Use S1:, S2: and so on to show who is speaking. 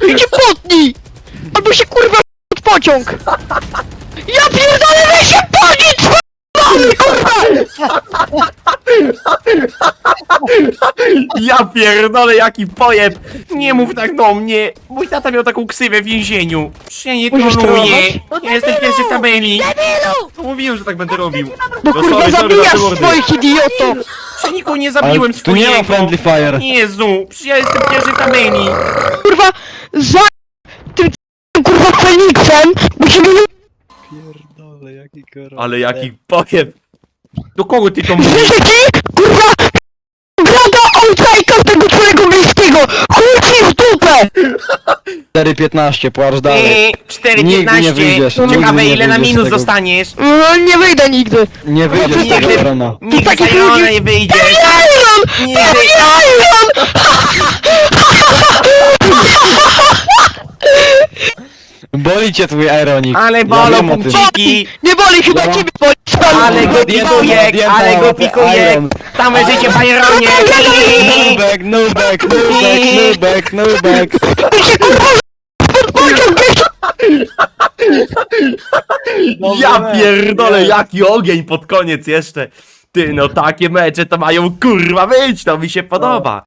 S1: Ty się potnij! Albo się kurwa pod pociąg! Ja pierdolę, weź się podnieść! Kurwa!
S2: Ja pierdolę, jaki pojeb! Nie mów tak do mnie! Mój tata miał taką ksywę w więzieniu! Ja nie
S1: Musisz
S2: klonuję!
S1: trenować?
S2: Ja jestem pierwszy w tabeli! To mówiłem, że tak będę robił!
S1: Bo
S2: No
S1: kurwa
S2: sorry,
S1: zabijasz
S2: za te mordy.
S1: swoich idioto!
S2: Ja nikogo nie
S3: Ale
S2: zabiłem
S3: tu nie ma
S2: swojego!
S3: friendly fire.
S2: Jezu! Przecież ja jestem pierwszy w tabeli!
S1: Kurwa, za tym kurwa Feniksem musimy...
S3: Pierdolę, jaki korol.
S2: Ale jaki pojeb! Do kogo ty to mówisz?
S1: Słyszę ci? Kurwa! Grada outsajka tego twojego bliskiego! Chuj ci w dupę!
S3: 4,15, płacz dalej.
S2: 4,15!
S3: wyjdziesz, nigdy
S2: Ciekawe
S3: nie
S2: ile na
S3: wyjdziesz z
S2: minus
S3: tego.
S2: dostaniesz!
S1: No, nie wyjdę nigdy!
S3: Nie wyjdziesz z tego
S2: Nigdy.
S3: Irona.
S2: Nigdy
S1: takich
S2: z Irona
S1: ludzi-
S2: nie wyjdziesz!
S1: Iron!
S2: Nie wyjdziesz!
S1: Iron!
S3: Boli cię twój Ironik.
S2: Ale
S3: Ja
S2: bolą
S3: wiem o tym.
S2: punkciki!
S1: Nie boli, chyba
S3: Ja-
S1: ciebie boli!
S2: Ale go pikujek! Ale go pikujek! Całe życie w Ironie!
S3: Nubek, nubek, nubek, nubek, nubek.
S2: Ja pierdolę, jaki ogień pod koniec jeszcze! Ty, no takie mecze to mają kurwa być, to mi się podoba!